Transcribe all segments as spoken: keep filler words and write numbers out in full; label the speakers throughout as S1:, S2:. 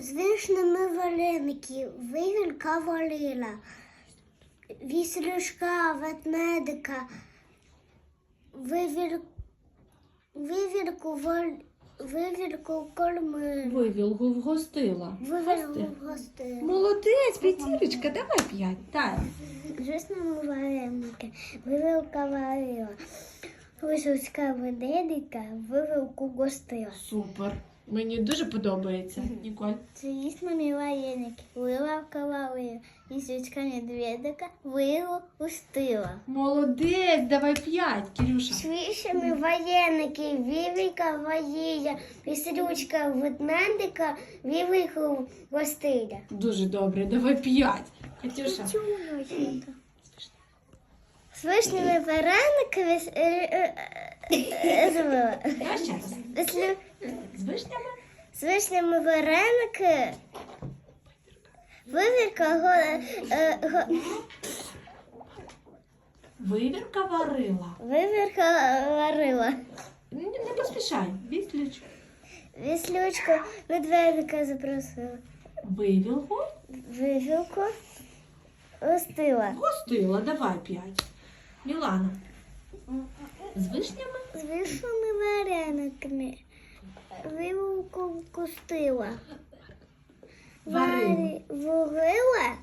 S1: З вишнями вареники, вивірка варила, віслюшка, ведмедика, вивір... вивірку, вар... вивірку кормила,
S2: Вивілгу вгостила.
S1: вивірку вгостила.
S2: Молодець, п'ятірочка, давай п'ять. Дай.
S1: З вишнями вареники, вивірка варила, вишучка ведмедика, вивірку гостила.
S2: Супер. Мені дуже подобається. Ніколь.
S1: З вишнями вареники, вивірка варила, віслючка медведика, вивірку гостила.
S2: Молодець, давай п'ять, Кирюша.
S1: З вишнями вареники, вивірка варила, віслючка ведмедика, вивірку гостила.
S2: Дуже добре, давай п'ять. Катюша.
S1: З вишнями варениками з- е, е, е, забула.
S2: Давай ще раз.
S1: Вислю-
S2: З вишнями.
S1: З вишнями вареники, вивірка го- е, го-
S2: Вивірка варила.
S1: вивірка варила.
S2: Не, не поспішай. Віслюч.
S1: Віслючку медведика запросила.
S2: Вивілгу.
S1: Вивілку гостила.
S2: Гостила, давай п'ять. Мілана. З вишнями.
S1: З вишнями варениками, вивілку гостила.
S2: Варила.
S1: Варі- Варила.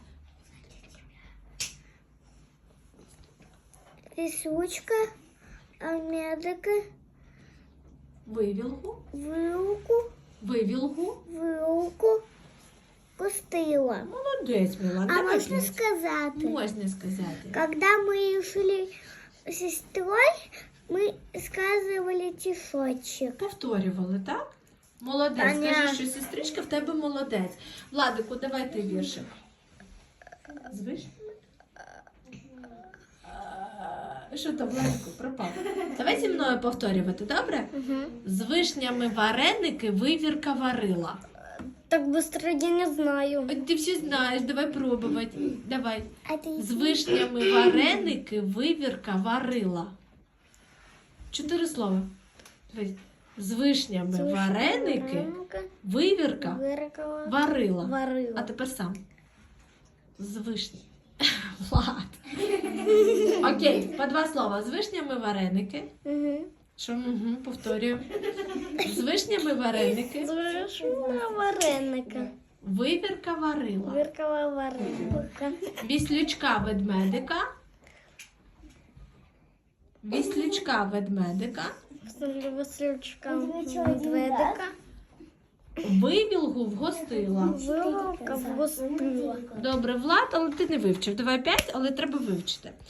S1: Віслючка, а медика,
S2: Вивілгу.
S1: вилку,
S2: Вивілгу.
S1: вилку гостила.
S2: Молодець, Мілана.
S1: А
S2: давай
S1: можно
S2: п'ять.
S1: сказать,
S2: Можна сказати.
S1: когда мы шли с сестрой, мы сказывали тишочек.
S2: Повторювали, так? Молодець.
S1: Понятно.
S2: Скажи, що сестричка в тебе молодець. Владику, давай ти віршик. З вишнями? А, Що то, Владику, пропав? Давай зі мною повторювати, добре? З вишнями вареники вивірка варила.
S1: Так быстро я не знаю.
S2: Ой, ти все знаєш, давай пробувати. Давай.
S1: А ты
S2: З вишнями вареники вивірка варила. Чотири слова. Давай. З вишнями вареники вивірка
S1: выркала,
S2: варила.
S1: варила.
S2: А тепер сам. З вишні. Влад. Окей, по два слова. З вишнями вареники.
S1: Угу.
S2: Що? Угу, повторюю. З вишнями вареники
S1: Зашла вареника.
S2: вивірка варила.
S1: Выркала вареника.
S2: Віслючка ведмедика. Віслючка ведмедика.
S1: Васильчика медведика.
S2: Вивілгу вгостила.
S1: Вилка вгостила.
S2: Добре, Влад, але ти не вивчив. Давай п'ять, але треба вивчити.